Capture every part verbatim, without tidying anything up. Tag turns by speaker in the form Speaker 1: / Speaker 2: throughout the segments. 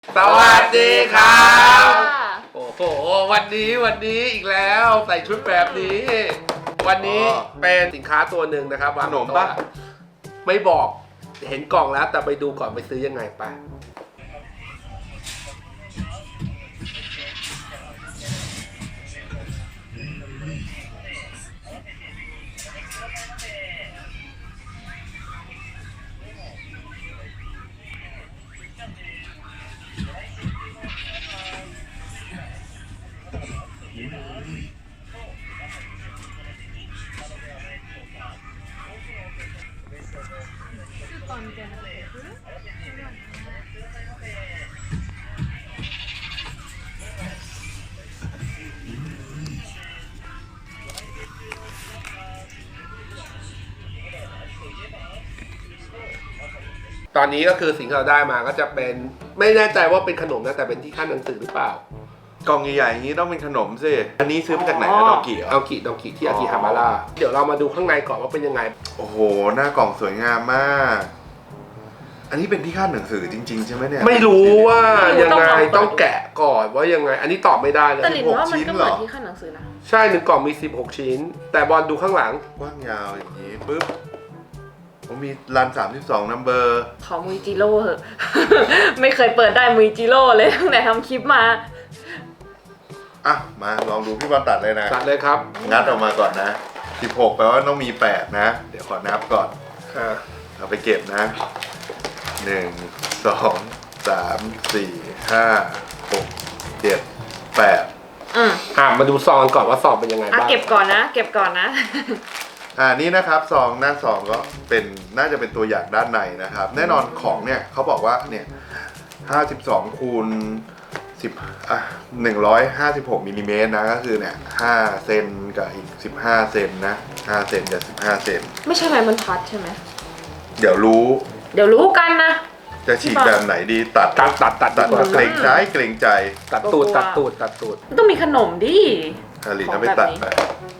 Speaker 1: สวัสดีครับโอ้โหวันนี้วันนี้อีกแล้วใส่ชุดแบบนี้ วันนี้เป็นสินค้าตัวหนึ่งนะครับขนมปะไม่บอกเห็นกล่องแล้วแต่ไปดูก่อนไปซื้อยังไงไปตอนนี้ก็คือสิ่งที่เราได้มาก็จะเป็นไม่แน่ใจว่าเป็นขนมนะแต่เป็นที่ขั้นหนังสือหรือเปล่ากล่องใหญ่ๆอย่างนี้ต้องเป็นขนมสิอันนี้ซื้อมาจากไหนอะดองกิเหรอดองกิดองกิที่อากิฮามาระเดี๋ยวเรามาดูข้างในก่อนว่าเป็นยังไงโอ้โหหน้ากล่องสวยงามมากอันนี้เป็นที่ขั้นหนังสือจริงๆใช่ไหมเนี่ยไม่รู้ว่ายังไงต้องแกะก่อนว่ายังไงอันนี้ตอบไม่ได้เลย
Speaker 2: แต่หลินว่ามันก็เหมือนที่ขั้นหนังสือนะ
Speaker 1: ใช่หนึ่งกล่องมีสิบหกชิ้นแต่บอลดูข้างหลัง
Speaker 3: กว้างยาวอย่างนี้ปึ๊บผมมีรันสามสิบสองนัมเบอร์
Speaker 2: ขอมุยจิโร่เหอะ ไม่เคยเปิดได้มุยจิโร่เลยตั้งแต่ทำคลิปมา
Speaker 3: อ่ะมาลองดูพี่บอลตัดเลยนะ
Speaker 1: ตัดเลยครับ
Speaker 3: งัดออกมาก่อนนะสิบหกแปลว่าต้องมีแปดนะเดี๋ยวขอนับก่อนเอาไปเก็บนะหนึ่งสองสามสี่ห้าหกเจ็ดแปด
Speaker 2: อืม
Speaker 1: อ่ะมาดูซองก่อนว่าซองเป็นยังไงบ้าง
Speaker 2: เก็บก่อนนะเก็บก่อนนะ
Speaker 3: อ่านี่นะครับซองหน้าซองก็เป็นน่าจะเป็นตัวอย่างด้านในนะครับแน่นอนของเนี่ยเขาบอกว่าเนี่ยห้าสิบสองคูณสิบอ่ะหนึ่งร้อยห้าสิบหกมิลลิเมตรนะก็คือเนี่ยห้าเซนกับอีกสิบห้าเซนนะห้าเซนกับสิบห้าเซน
Speaker 2: ไม่ใช่ไม้บรรทัดใช่ไหม
Speaker 3: เดี๋ยวรู้
Speaker 2: เดี๋ยวรู้กันนะ
Speaker 3: จะฉีกแบบไหนดีตัด
Speaker 1: ตัดตัดตัด
Speaker 3: ตัดเกรงใจเกรงใจ
Speaker 1: ตัดตูดตัดตูดตัดตูด
Speaker 2: ต้องมีขนมดิ
Speaker 3: อาลีน่าไม่ตัดไป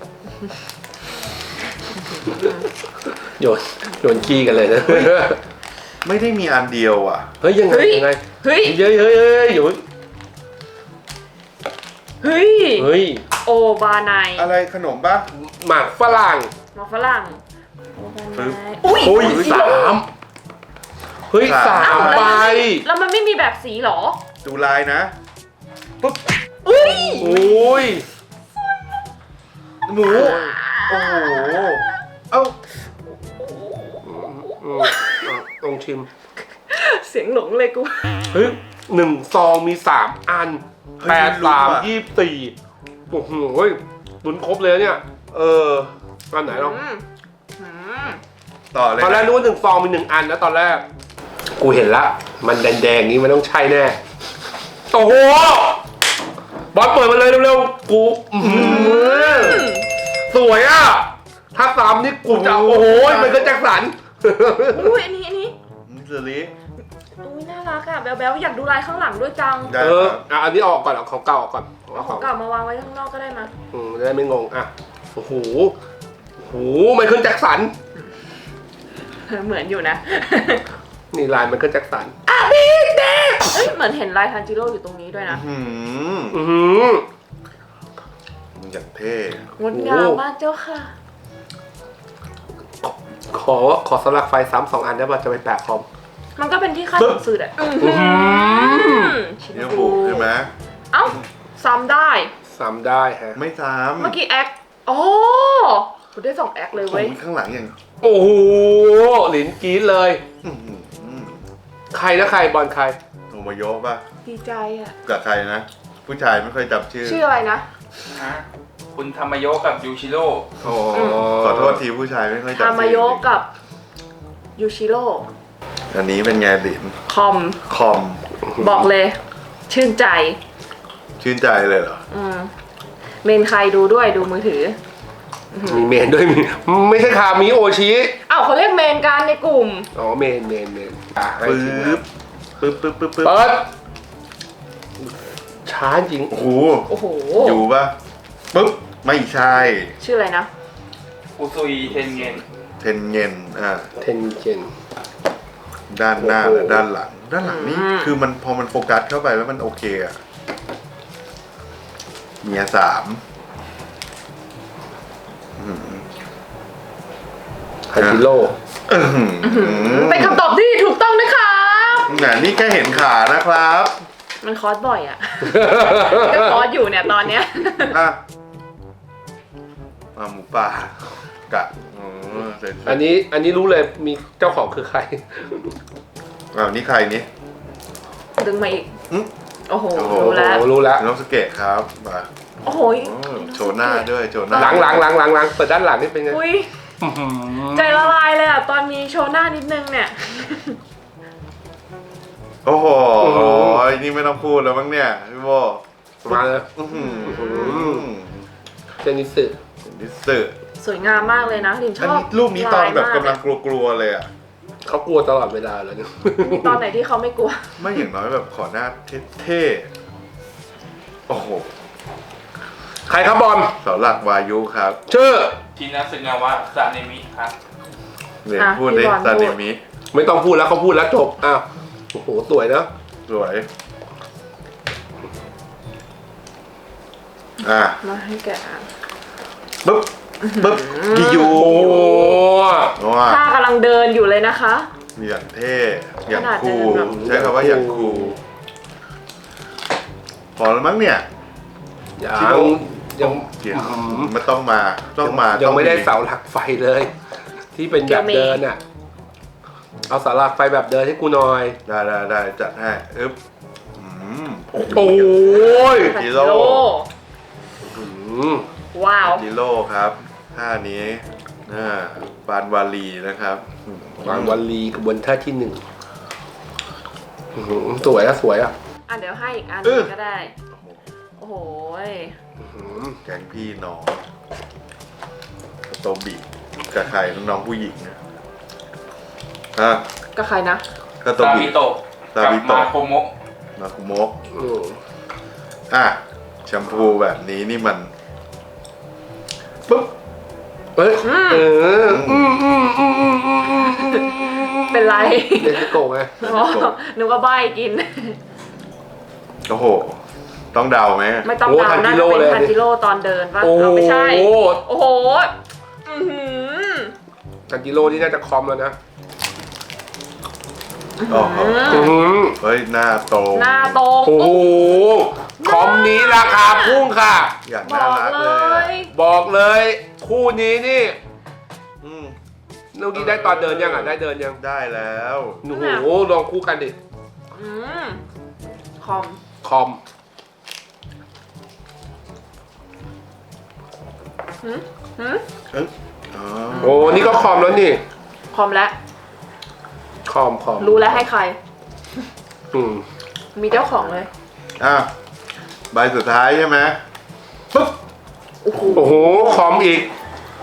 Speaker 1: โยนโยนขี้กันเลยนะ
Speaker 3: ไม่ได้มีอันเดียวอ่ะ
Speaker 1: เฮ้ยยังไงยังไง
Speaker 2: เฮ้ย
Speaker 1: เฮ้ยเฮ้ยเฮ้ยอยู่
Speaker 2: เฮ้ย
Speaker 1: เฮ้ย
Speaker 2: โอบาไน
Speaker 3: อะไรขนมปะ
Speaker 1: หมากฝรั่ง
Speaker 2: หมากฝรั่ง
Speaker 1: อุ้ยสามเฮ้ยสามใบ
Speaker 2: แล้วมันไม่มีแบบสีหรอ
Speaker 3: ดูลายนะ
Speaker 1: ปุ๊บอุ้ยอุ้ย
Speaker 3: หมูโอ้โหเอ้า
Speaker 1: ลองชิม
Speaker 2: เสียงหลงเลยกู
Speaker 1: เฮ้ยหนึ่งซองมีสามอันแปดสามยี่สิบสี่โอ้โหลุ้นครบเลยเนี่ยเอออันไหนลอง
Speaker 3: ต่อเลย
Speaker 1: ตอนแรกนึกว่าหนึ่งซองมีหนึ่งอันนะตอนแรกกูเห็นละมันแดงๆนี้มันต้องใช่แน่โอ้โหบอลเปิดมาเลยเร็วๆกูสวยอ่ะถ้าสามนี่กูจะโอ้โหมันก็แจ็คสัน
Speaker 2: อุ้ยอันนี้อันนี้
Speaker 3: มิสลิ
Speaker 2: อุ้ยน่ารักอ่ะแบ๊วๆอยากดูลายข้างหลังด้วยจัง
Speaker 1: เอออ่ะอันนี้ออกก่อนเอาของเก่าออกก่อน
Speaker 2: เอาของเก่ามาวางไว้ข้างนอกก็ได้มา
Speaker 1: อืมจะได้ไม่งงอ่ะโอ้โหโอ้โหมันขึ้นแจ็คสัน
Speaker 2: เหมือนอยู่นะ
Speaker 1: นี่ลายมันขึ้นแจ็คสัน
Speaker 2: อ่ะพี่เด็กเอ้ยเหมือนเห็นลายทันจิโร่อยู่ตรงนี้ด้วยนะ
Speaker 3: อืม
Speaker 1: อืม
Speaker 3: มันอย่างเท่
Speaker 2: งดงามมากเจ้าค่ะ
Speaker 1: ขอขอสลักไฟซ้ำสองอันได้ป่ะจะไปแปะคอม
Speaker 2: มันก็เป็นที่ขั้นหนังสือแหละ
Speaker 3: เดี๋ยวบุกใช่ไหม
Speaker 2: เอ้าซ้ำได้
Speaker 1: ซ้ำได้ฮะ
Speaker 3: ไม่ซ้ำ
Speaker 2: เมื่อกี้แอคโอ้ผมได้สองแอคเลยเว้ย
Speaker 3: ข้างหลังอย่าง
Speaker 1: โอ้โหหลินกรี๊ดเลยใครนะใครบอลใคร
Speaker 3: โทโมโยะป่ะ
Speaker 2: ดีใจอ่ะ
Speaker 3: กับใครนะผู้ชายไม่ค่อยจำชื่อ
Speaker 2: ชื่ออะไรนะ
Speaker 4: คุณธรรมโยกับยูชิโร่
Speaker 3: โอ้ขอโทษทีผู้ชายไม่ค่อยจำชื่อ
Speaker 2: ธรรมโยกับยูชิโร่
Speaker 3: อันนี้เป็นไงลิน
Speaker 2: คอม
Speaker 3: คอม
Speaker 2: บอกเลยชื่นใจ
Speaker 3: ชื่นใจเลยเหรอ
Speaker 2: อืมเมนใครดูด้วยดูมือถือ
Speaker 1: มีเมนด้วยมีไม่ใช่คามิโอชิ
Speaker 2: อ้าวเขาเรียกเมนกันในกลุ่ม
Speaker 1: อ๋อเมนเมนเมน
Speaker 3: ปึ๊บปึ๊บปึ๊บปึ๊บปึ๊บ
Speaker 1: เปิดช้าจริง
Speaker 3: โอ้โห
Speaker 2: โอ้โห
Speaker 3: อยู่ปะปึ๊บไม่ใช่
Speaker 2: ชื่ออะไรนะ
Speaker 4: อุซุยเทนเงิน
Speaker 3: เทนเงินอ่า
Speaker 1: เทนเงิน
Speaker 3: ด้านหน้าและด้านหลังด้านหลังนี่
Speaker 2: อืม
Speaker 3: คือมันพอมันโฟกัสเข้าไปแล้วมันโอเคอะเมียสามอืม
Speaker 1: คันจิโร่
Speaker 3: อื้อหือ
Speaker 2: เป็นคำตอบที่ถูกต้องนะคะ
Speaker 3: น่ะนี่แค่เห็นขานะครับ
Speaker 2: มันคอร์สบ่อยอะ ก็คอร์สอยู่เนี่ยตอนเนี้ย
Speaker 3: อ่ะอ่ะหมูป่ากะอ๋อเสร็จ
Speaker 1: อันนี้อันนี้รู้เลยมีเจ้าของคือใคร
Speaker 3: อ้าวนี่ใครนี่
Speaker 2: ดึงมาอีก
Speaker 3: อืม
Speaker 2: โอ้โห
Speaker 3: โอ้โห
Speaker 2: รู้แล้ว
Speaker 1: โอ้รู้แล้ว
Speaker 3: น้องสเกตครับมา
Speaker 2: โอ้โห
Speaker 3: โอ้โชว์หน้าด้วยโชว์หน้า
Speaker 1: หลังหลังหลังหลังหลังเปิดด้านหลังนี่เป็นไง
Speaker 2: อุ้ยใจละลายเลยอ่ะ ตอนมีโชว์หน้านิดนึงเนี่ย
Speaker 3: โอ้โหนี่ไม่ต้องพูดแล้วมั้งเนี่ยพี่โบ
Speaker 1: มาเลย
Speaker 3: อื้อหือ
Speaker 1: เจนิสึ
Speaker 3: ดิสสึ
Speaker 2: สวยงามมากเลยนะลินช
Speaker 3: อัน
Speaker 2: อบ
Speaker 3: นี้รูปนี้ตอนแบบ
Speaker 2: าย
Speaker 3: กำลัง
Speaker 2: มาก
Speaker 3: ลัวๆเลยอ่ะ
Speaker 1: เขากลัวตลอดเวลาเลยเนี่ย
Speaker 2: มีตอนไหนที่เขาไม่กลัว
Speaker 3: ไม่อย่างน้อยแบบขอหน้าเท่ๆ โอ้โห
Speaker 1: ใครครับบอล
Speaker 3: เสาหลักวายุครับ
Speaker 1: ชื่อ
Speaker 4: ชินาสึงาวะซาเนมิครับ
Speaker 3: เนี่ย
Speaker 2: อ่ะ
Speaker 3: พูดดิ
Speaker 2: พี่บอล
Speaker 3: ซา
Speaker 2: พู
Speaker 3: เน
Speaker 2: ด
Speaker 3: มิ
Speaker 1: ไม่ต้องพูดแล้วเขาพูดแล้วจบอ้าวโอ้โหสวยนะ
Speaker 3: สวย อ่ะ
Speaker 2: มาให้แกอ่าน
Speaker 3: ปึ๊บปึ๊บกิยู
Speaker 1: โอ้โห
Speaker 3: ว้า
Speaker 2: ถ้ากำลังเดินอยู่เลยนะคะ
Speaker 3: อย่างเท่ อย่าง
Speaker 2: ขนาด
Speaker 3: คูล
Speaker 2: เดินแบบ
Speaker 3: ใช้คำว่าอย่างคูลพอแล้วมั้งเนี่ย
Speaker 1: ยัง
Speaker 3: ชิโร่
Speaker 1: ยัง
Speaker 3: เดี๋ยวไม่ต้องมา ต้องมา
Speaker 1: ยังไม่ได้
Speaker 3: ต้อง
Speaker 1: เสาหลักไฟเลย ที่เป็นแบบเดินอ่ะ เอาเสาหลักไฟแบบเดินให้กูหน่อย
Speaker 3: ได้ได้ได้จัดให้อึ๊บอืม
Speaker 1: โอ้ย
Speaker 3: จิโร่
Speaker 1: อืม
Speaker 2: ว้าว
Speaker 3: จิโร่ครับท่านี้อ่าปานวาลีนะครับ
Speaker 1: วางวันลีกระบวนท่าที่หนึ่งอื้อหือสวยอะสวยอะ
Speaker 2: อ่ะเดี๋ยวให้อีกอันหนึงก็ได้ โอ้โหย
Speaker 1: อื้อหือ
Speaker 3: แก๊งพี่น้องโตบีกับใครน้องผู้หญิงนะอ่ะ
Speaker 2: ก็ใครนะ
Speaker 3: ก็โต
Speaker 4: ซา
Speaker 3: บี
Speaker 4: บิโตะ
Speaker 3: ซา
Speaker 4: กับ
Speaker 3: บิ
Speaker 4: มา
Speaker 3: โตะ
Speaker 4: โคโมะ
Speaker 3: มาคุโมะ
Speaker 1: อืม
Speaker 3: อ่ะแชมพูแบบนี้นี่มันปุ๊บ
Speaker 1: เอ้ยเอออืมอืมอืมอืมอืมอืม
Speaker 2: เป็นไร
Speaker 1: เดนจิโกะไง
Speaker 2: อ๋อนึกว่าใบกิน
Speaker 3: โอ้โห ต้องเดาไหม
Speaker 2: ไม่ต้องเดาน่าจะเป็นทันจิโร่ตอนเดินป่ะ
Speaker 1: โอ้
Speaker 2: เอาไม่ใช่
Speaker 1: โห
Speaker 2: โอ้โห อื้อหือ
Speaker 1: ทันจิโร่นี่น่าจะคอมแล้วนะ
Speaker 3: โอ้โห
Speaker 1: อื้อหือ
Speaker 3: เฮ้ย หน้าโต
Speaker 2: หน้าโต
Speaker 1: โอ้โหคอมนี้ราคาพุ่งค่ะ
Speaker 3: อย่าง
Speaker 2: บ
Speaker 3: น่า
Speaker 2: อก
Speaker 3: รัก
Speaker 2: เล
Speaker 3: เลยอะ
Speaker 2: ย
Speaker 1: บอกเลย คู่นี้นี่
Speaker 3: อืม
Speaker 1: เมื่อกี้ได้ตอนเดินยังอ่ะได้เดินยัง
Speaker 3: ได้แล้ว
Speaker 1: โอ้โหลองคู่กันดิ
Speaker 2: อืมคอม
Speaker 1: คอม
Speaker 2: หืมหืม
Speaker 3: เอ้ยอ๋อ
Speaker 1: โอ้นี่ก็คอมแล้วนี่
Speaker 2: คอมแล้ว
Speaker 1: คอมคอม
Speaker 2: รู้แล้วให้ใคร
Speaker 1: อืม
Speaker 2: มีเจ้าของเลย
Speaker 3: อ่ะใบสุดท้ายใช่ไหมปุ๊บ
Speaker 2: โอ้โห
Speaker 1: โอ้โหคอมอีก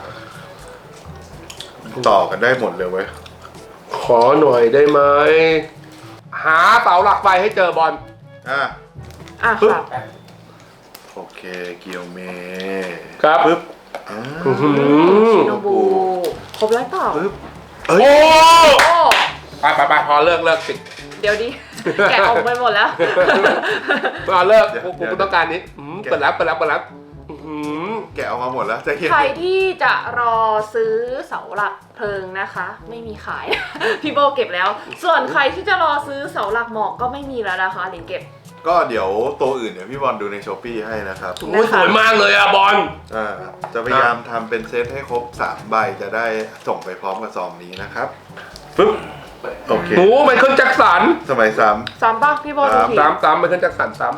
Speaker 3: ต่อกันได้หมดเลยเว้ย
Speaker 1: ขอหน่อยได้ไหมหาเสาหลักไฟให้เจอบอล
Speaker 3: อ่ะ
Speaker 2: อ่ะ
Speaker 3: ปึ๊บ
Speaker 2: ค่ะ
Speaker 3: โอเค เกียวเม
Speaker 1: ครับ
Speaker 3: ปึ๊บอ่า
Speaker 1: อื้อหือ
Speaker 2: ชิโนบุครบแล้วเปล่า
Speaker 3: ปึ๊บเอ้ย
Speaker 1: โอ้
Speaker 2: โอ้
Speaker 1: ไปไปไปพอเลิกเลิกปิด
Speaker 2: เดี๋ยวดิ แกะออกไปหมดแล้ว
Speaker 1: พอเลิกกูกูต้องการนี้อืมเปิดแล้วเปิดแล้วเปิดแล้วอื้อหือ
Speaker 3: แกะออกมาหมดแล้วจะเห็น
Speaker 2: ใครที่จะรอซื้อเสาหลักเพลิงนะคะ ไม่มีขาย พี่โบเก็บแล้ว ส่วนใครที่จะรอซื้อเสาหลักหมอกก็ไม่มีแล้วนะคะหลินเก็บ
Speaker 3: ก็เดี๋ยวตัวอื่นเดี๋ยวพี่บอลดูในช้อปปี้ให้นะครับ
Speaker 1: โอ้ยสวยมากเลยอะบอล
Speaker 3: อ่าจะพยายามทำเป็นเซตให้ครบสามใบจะได้ส่งไปพร้อมกับซองนี้นะครับปึ๊บโอเค
Speaker 1: โอ้ไมเคิลแจ็คสัน
Speaker 3: สมัยซ้
Speaker 2: ซ้ำป่ะพี่โบดูที
Speaker 1: ซ้ำซ้ำไมเคิลแจ็คสันซ้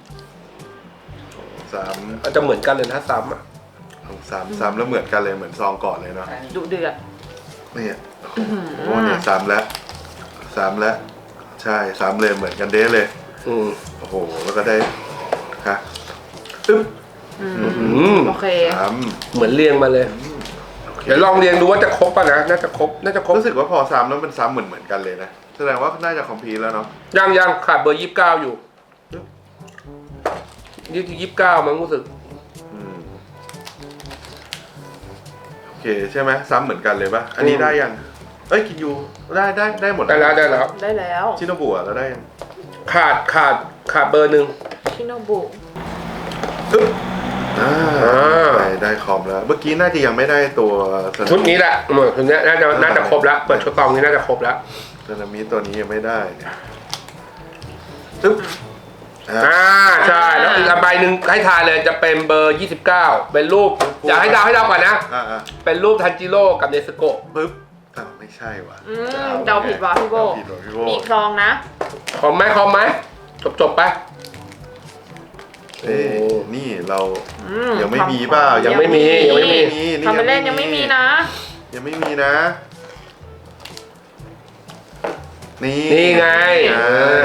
Speaker 3: ำซ้
Speaker 1: ำอาจจะเหมือนกันเลยนะซ้ำอะ
Speaker 3: ำซ้ำซ้ำแล้วเหมือนกันเลยเหมือนซองก่อนเลยเนาะ
Speaker 2: ดุเดือด
Speaker 3: เนี่ยโอ้โหเนี่ยซ้ำแล้วซ้ำแล้วใช่ซ้ำเลยเหมือนกันเด้เลย
Speaker 1: อืม
Speaker 3: โอ้โหแล้วก็ได้ฮะอึ๊บ
Speaker 2: อืม
Speaker 1: อืม
Speaker 2: โอเค
Speaker 3: ซ้
Speaker 1: เหมือนเรียงมาเลย
Speaker 3: ำโอเค
Speaker 1: เดี๋ยวลองเรียงดูว่าจะครบป่ะนะ น่าจะครบ น่าจะครบ
Speaker 3: รู้สึกว่าพอซ้ำแล้วมันซ้ำเหมือนเหมือนกันเลยนะแสดงว่าน่าจะคอมพลีทแล้วเนาะ
Speaker 1: ยังยังขาดเบอร์ยี่สิบเก้าอยู่นี่ยี่สิบเก้ามั้งรู้สึก
Speaker 3: อืมโอเคใช่ไหมซ้ำเหมือนกันเลยปะอันนี้ได้ยังเอ้ยกินยูได้ได้ได้หมด
Speaker 1: ได้แล้วได้แล้ว
Speaker 2: ได้แล้ว
Speaker 3: ชิโนบุอะแล้วได้ยัง
Speaker 1: ขาดขาดขาดเบอร์หนึ่ง
Speaker 2: ชิโนบุ
Speaker 3: ปึ๊บอ่า
Speaker 1: อ่า
Speaker 3: ได้ได้คอมแล้ว เมื่อกี้น่าจะยังไม่ได้ตัวสึนามิ
Speaker 1: ชุดนี้แหละเหมือนชุดนี้น่าจะน่าจะครบแล้วเปิดชุดกองนี้น่าจะครบแล้ว
Speaker 3: สึนามิตัวนี้ยังไม่ได้เนี่ยปึ๊บอ่า
Speaker 1: อ่าใช่แล้วอีกใบหนึ่งให้ทายเลยจะเป็นเบอร์ยี่สิบเก้าเป็นรูปอยากให้เดาให้เดาก่อนนะ
Speaker 3: อ่าอ่า
Speaker 1: เป็นรูปทันจิโร่กับเนสโกะ
Speaker 3: ปึ๊บอ้าวไม่ใช่ว่ะ
Speaker 2: อืมเดาผิดว่ะพี่โบ
Speaker 3: เดาผิดว่ะพี่โบ
Speaker 2: มีคลองนะ
Speaker 1: คอมไหมคอมไหมจบจบไป
Speaker 3: เอ้ยนี่เรา
Speaker 2: อืม
Speaker 3: ยังไม่มีเปล่า
Speaker 1: ยังไม่มียังไม่มี
Speaker 2: ทำไปเล่นยังไม่มีนะ
Speaker 3: ยังไม่มีนะ นี่
Speaker 1: นี่ไง
Speaker 3: ใช่
Speaker 1: เออ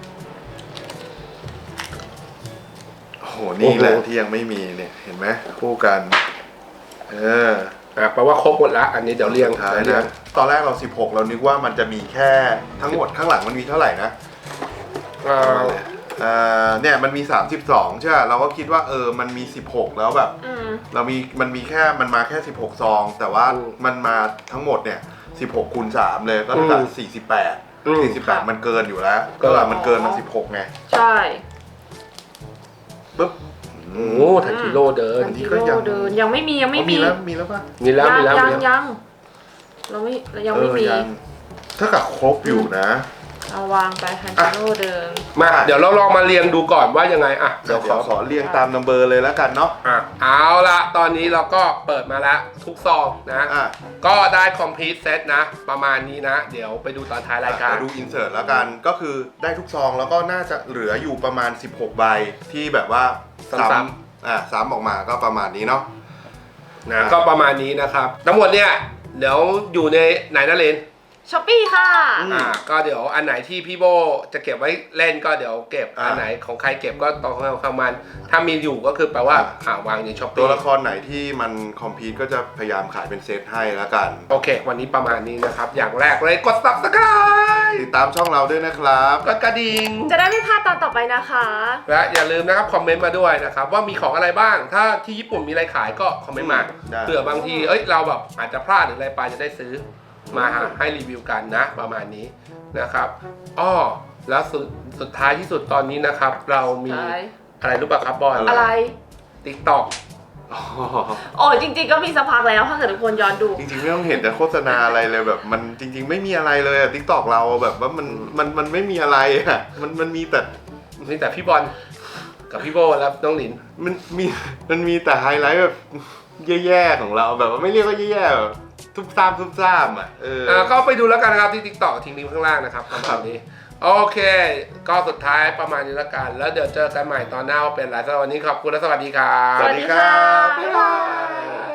Speaker 3: โอ้โหนี่แหละ
Speaker 1: โอ้โห
Speaker 3: ที่ยังไม่มีเนี่ยเห็นไหมคู่กัน เออ
Speaker 1: อ่ะแปลว่าครบหมดละอันนี้เดี๋ยวเรียง
Speaker 3: สุดท้าย
Speaker 1: เรียง
Speaker 3: นะตอนแรกเราสิบหกเรานึกว่ามันจะมีแค่ทั้งหมดข้างหลังมันมีเท่าไหร่นะ
Speaker 1: อ่า
Speaker 3: เอ่อเนี่ยมันมีสามสิบสองใช่ไหมเราก็คิดว่าเออมันมีสิบหกแล้วแบบ
Speaker 2: อืม
Speaker 3: เรามีมันมีแค่มันมาแค่สิบหกซอง แต่ว่ามันมาทั้งหมดเนี่ยสิบหกคูณสามเลยก็เท่ากับสี่สิบแปด
Speaker 1: อืม
Speaker 3: สี่สิบแปดมันเกินอยู่แล้วก็แบบมันเกินมาสิบหกไง
Speaker 2: ใช่
Speaker 3: ปุ๊บ
Speaker 1: โอ้โหทันจิโร่เดิน
Speaker 2: ทันจิโร่เดินยังไม่มียังไม่
Speaker 3: อ๋อ
Speaker 2: มี
Speaker 3: มีแล้วมีแล้วป่ะ
Speaker 1: มีแล้วมีแล้ว
Speaker 2: ยั
Speaker 1: มี
Speaker 2: ง
Speaker 1: แล้ว
Speaker 2: ยังเราไม่เรายังไม่มี
Speaker 3: เออยังถ้ากับครบอยู่นะ
Speaker 2: เอาวางไปทันจิโร่เดิน
Speaker 1: มาเดี๋ยวเราลองมาเรียงดูก่อนว่ายังไงอ่ะ
Speaker 3: เดี๋
Speaker 1: เดี๋
Speaker 3: ย
Speaker 1: ยว ว
Speaker 3: ข
Speaker 1: ข
Speaker 3: อ
Speaker 1: อ
Speaker 3: ขอเรียงตามนัมเบอร์เลยแล้วกันเนาะ
Speaker 1: อ่ะเอาละตอนนี้เราก็เปิดมาแล้วทุกซองนะ
Speaker 3: อ่ะ
Speaker 1: ก็ได้คอมพลีทเซตนะ ประมาณนี้นะ เดี๋ยวไปดูตอนท้ายรายการ
Speaker 3: เดี๋ยวดูอินเสิร์ตแล้วกันก็คือได้ทุกซองแล้วก็น่าจะเหลืออยู่ประมาณสิบหกใบที่แบบว่า
Speaker 1: ซ้ำ
Speaker 3: ๆอ่ะซ้ำออกมาก็ประมาณนี้เนาะ
Speaker 1: นะก็ประมาณนี้นะครับ ทั้งหมดเนี่ยเดี๋ยวอยู่ในไหนนะเลน
Speaker 2: ช้อปปี้ค่ะ
Speaker 3: อืม
Speaker 1: อ่าก็เดี๋ยวอันไหนที่พี่โบจะเก็บไว้เล่นก็เดี๋ยวเก็บ
Speaker 3: อ่า
Speaker 1: อันไหนของใครเก็บก็ต้องของของมัน ถ้ามีอยู่ก็คือแปลว่าอ่าวางในช้อป
Speaker 3: ตั
Speaker 1: ปี้
Speaker 3: วละครไหนที่มันคอมพีทก็จะพยายามขายเป็นเซตให้แล้วกัน
Speaker 1: โอเค วันนี้ประมาณนี้นะครับ อย่างแรกเลยกด Subscribe
Speaker 3: ติดตามช่องเราด้วยนะครับ
Speaker 1: กดกระดิ่ง
Speaker 2: จะได้ไม่พลาดตอนต่อไปนะคะ
Speaker 1: และอย่าลืมนะครับคอมเมนต์มาด้วยนะครับว่ามีของอะไรบ้าง ถ้าที่ญี่ปุ่นมีอะไรขายก็คอมเมนต์มา
Speaker 3: ได้
Speaker 1: เผื่อบางทีเอ้ยเราแบบอาจจะพลาดหรืออะไรไปจะได้ซื้อมาให้รีวิวกันนะประมาณนี้นะครับอ้อแล้วสุดสุดท้ายที่สุดตอนนี้นะครับ เรามี
Speaker 2: ใช่
Speaker 1: อะไรรู้ป่ะครับบอล
Speaker 2: อะไร
Speaker 1: TikTok
Speaker 3: อ๋อ
Speaker 2: โอ้จริงๆก็มีสักพักแล้วถ้าเกิดทุกคนย้อนดู
Speaker 3: จริงๆไม่ต้องเห็นแต่โฆษณาอะไรเลยแบบมันจริง ๆ ไม่มีอะไรเลยอะทิกตอกเราแบบว่ามันมันมันไม่มีอะไรอะมันมันมีแต่
Speaker 1: นี่แต่พี่บอลกับพี่โบแล้วน้องหลิน
Speaker 3: มันมีมันมีแต่ไฮไลท์แบบแย่ๆของเราแบบว่าไม่เรียกว่าแย่ๆแบบทุบซ้ำทุบซ้ำอ่ะเออ
Speaker 1: อ่าก็ไปดูแล้วกันนะครับที่ TikTok ทิ้งลิงก์ข้างล่างนะครับประมาณนี้โอเค ก็สุดท้ายประมาณนี้แล้วกัน แล้วเดี๋ยวเจอกันใหม่ตอนหน้าว่าเป็นไรสำหรับวันนี้ขอบคุณและสวัสดีครับ
Speaker 3: สวัสดีครับ
Speaker 2: บ๊ายบาย